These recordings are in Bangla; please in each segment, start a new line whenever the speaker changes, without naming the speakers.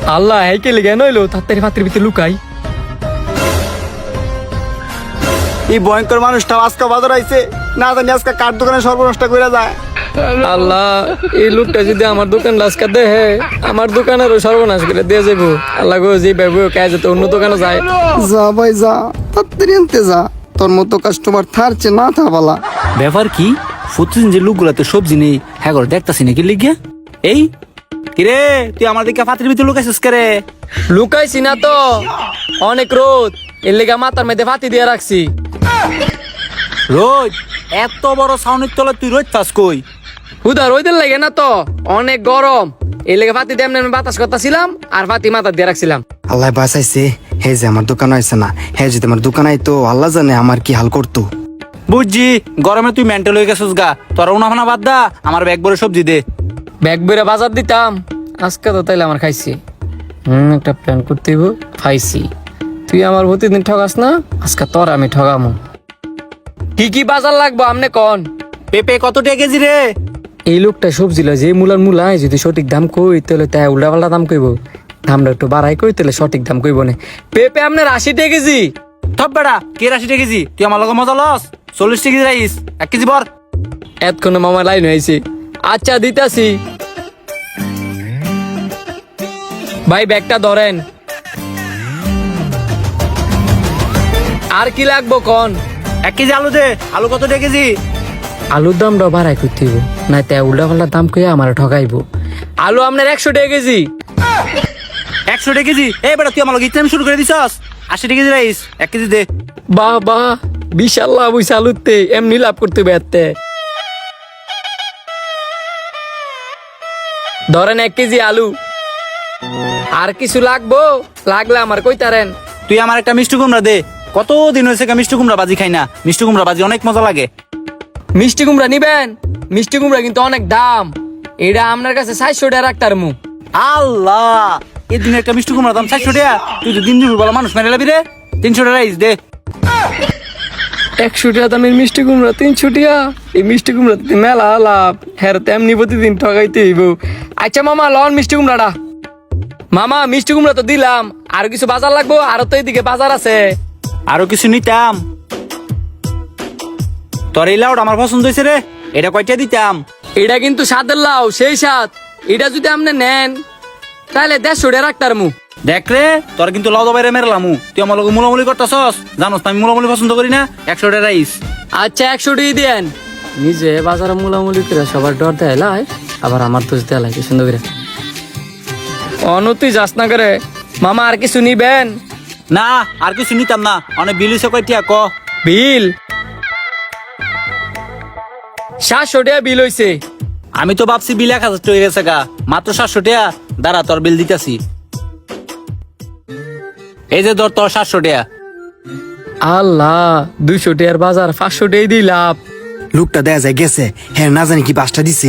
আল্লাহ হেকে লেগে নইলো তাড়াতাড়ি পাত্রের ভিতরে লুকাই।
এই ভয়ঙ্কর মানুষটা আজকে বাজার আইছে, না জানি আজকে কার দোকানে সর্বনষ্ট করে যায়।
আল্লাহ এই লোকটা যদি আমার দোকান লাস্কা দেহে আমার দোকানেরও সর্বনাশ করে দিয়ে যাবো। আল্লাহ গো যে ভাবে কাজ যেতে অন্য দোকানে যায়।
যা ভাই যা, তাড়াতাড়ি আনতে যা, তোর মতো কাস্টমার থারছে না থাবালা।
ব্যাপার কি প্রতিদিন যে লোকগুলাতে সবজি নেই হ্যাঁ করে দেখতাছি নাকি লিখিয়া। এই কিরে তুই আমার দিকে পাত্রের ভিতরে লুকাইছিস কে রে?
লুকাইছি না তো, অনেক রোদ এর লেগে মাথার মধ্যে ফাতি দিয়ে রাখছি।
রোজ এত বড় ছাউনির তলে তুই রোজ পাস কই?
হুদা রোদের লাগে না তো, অনেক গরম এর লেগে ফাতি দিয়ে এমনি বাতাস করতেছিলাম আর ফাতি মাথা দিয়ে রাখছিলাম।
আল্লাহ বাঁচাইছে, হে যে আমার দোকান আইছে না, হে যদি আমার দোকান আইতো আল্লাহ জানে আমার কি হাল করতো।
বুঝছি গরমে তুই মেন্টাল হয়ে গেছিস গা, তোর উনাফানা বাদ দা, আমার ব্যাগ ভরে সবজি দে।
ব্যাগ বেড়ে বাজার দিতাম আজকে তো তাইলে আমার খাইছি। একটা প্ল্যান করতে হইব, খাইছি। তুই আমার প্রতিদিন ঠগাস না, আজকে তোর আমি ঠগামো। কি কি বাজার লাগবো আমনে কন?
পেঁপে কত টাকা কেজি রে?
এই লোকটা সবজি লয় যে মূলার মূলায় যদি সঠিক দাম কই তাহলে তাই উল্টা পাল্টা দাম কইব, দামটা একটু বাড়াই কই তাহলে সঠিক দাম কইব না। পেঁপে আপনার 80 টাকা কেজি।
সব বেড়া কে 80 টাকা কেজি? তুই আমার লগে মজা লস। 40 টাকা কেজি রাইস 1 কেজি বর।
এতক্ষণে মামা লাইন হয়েছে। আচ্ছা দিতাছি ভাই, ব্যাগটা ধরেন। আর কি লাগবো কন?
1 কেজি আলু দে। আলু কত টাকা কেজি?
আলুর দামটা বাড়াই করতে হইব, না তাই উল্টা পাল্টা দাম কইয়া আমার ঠগাইবো। আলু আপনার 100 টাকা কেজি।
100 টাকা কেজি? এই বেটা তুই আমার লগে ইতনাম শুরু করে দিছস। 80 টাকা কেজি রাইস 1 কেজি দে।
বাহ বাহ, বিশাল লাভ হইছে আলুতে, এমনি লাভ করতে বেরতে। ধরেন 1 কেজি আলু। আর কিছু লাগবো? লাগলে আমার কইতারেন।
তুই আমার একটা মিষ্টি কুমড়া দে। কত দিন হয়েছে মিষ্টি কুমড়া বাজি খাই না। মিষ্টি কুমড়া বাজি অনেক মজা লাগে।
মিষ্টি কুমড়া নিবেন? মিষ্টি কুমড়া কিন্তু অনেক দাম, এটা আপনার কাছে 400 টাকা রাখতার মু।
আল্লাহ এই দিন একটা মিষ্টি কুমড়া দাম 400 টাকা। তুই তো দিন দুপুর বেলা মানুষ মেরে লাবি রে। 300 টাকা রাইস দে।
100 টাকা দামের মিষ্টি কুমড়া 300 টাকা? এই মিষ্টি কুমড়া মেলা লাভ, হ্যাঁ তেমনি প্রতিদিন ঠগাইতে হইব। আচ্ছা মামা লন মিষ্টি কুমড়াটা। মামা মিষ্টি কুমড়া তো দিলাম, আর কিছু বাজার লাগবো? আরো তো এদিকে বাজার আছে।
আরো কিছু নিতাম। তোর এই লাউটা আমার পছন্দ হয়েছে রে, এটা কয়টা দিতাম?
এটা কিন্তু স্বাদের লাউ, সেই স্বাদ। এটা যদি আপনি নেন তাহলে 150 টাকা রাখতার মু।
দেখ রে তোর কিন্তু লাউ বাইরে মেরলামু। তুই আমার লগে মুলামুলি করতেছস, জানোস আমি মুলামুলি পছন্দ করি না। 100 টাকা রাইস।
আচ্ছা 100 টাকা দেন। নিজে বাজারে মুলামুলি করে সবার ডর দেয় লাই, আবার আমার তো দেয় লাগে সুন্দর করে। অনতি যাস না করে। মামা আর কিছু নিবেন?
না আর কিছু নিতাম না। অনেক বিল হইছে কয়টিয়া ক?
বিল 700 টাকা বিল হইছে।
আমি তো ভাবছি বিল 1000 টাকা হয়ে গেছে গা, মাত্র 700 টাকা। দাঁড়া তোর বিল দিতাছি। এই যে ধর তোর 700 টাকা।
আল্লাহ 200 টাকার বাজার 500 টাকাই দিই লাভ।
লোকটা দেয়া যায় গেছে, হ্যাঁ না জানি কি বাসটা দিছে।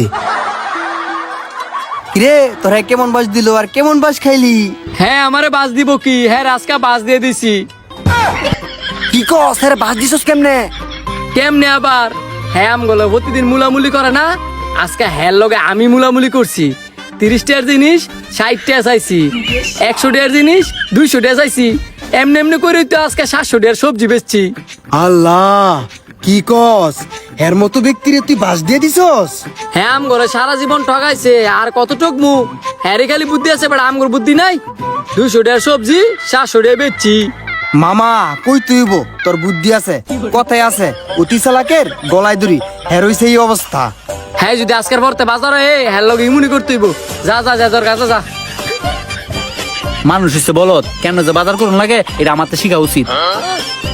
রে তোরা কেমন বাস দিল আর কেমন বাস খাইলি?
হ্যাঁ আমারে বাস দিব কি? হ্যাঁ আজকে বাস দিয়ে দিছি।
কি কস, স্যার বাস দিছস কেমনে?
কেমনে আবার? হ্যাঁ আমগুলো প্রতিদিন মুলামুলি করে না, আজকে হ্যাঁ লগে আমি মুলামুলি করছি। 30 টাকার জিনিস 60 টাকা চাইছি, 100 টাকার জিনিস 200 টাকা চাইছি। এমনি এমনি করে তো আজকে 700 টাকার সবজি বেচছি।
আল্লাহ কি কস, এর মতো ব্যক্তিরে তুই বাস দিয়ে দিছস?
হ্যাঁ আমগুলো সারা জীবন ঠগাইছে, আর কত ঠকমু? হ্যাঁ রে খালি বুদ্ধি আছে, বাট আমগুলো বুদ্ধি নাই। 200 টাকার সবজি 700 টাকা বেচছি।
মামা কই তুইব, তোর বুদ্ধি আছে, কথায় আছে অতি চালাকের গলায় দড়ি, হের হইছে এই অবস্থা।
হ্যাঁ যদি আজকের পরতে বাজারে হ্যাঁ লগে ইমুনি করতে হইব। যা যা যা তোর কাছে যা।
মানুষ হচ্ছে বলত, কেন যে বাজার করুন লাগে এটা আমার তো শিখা উচিত।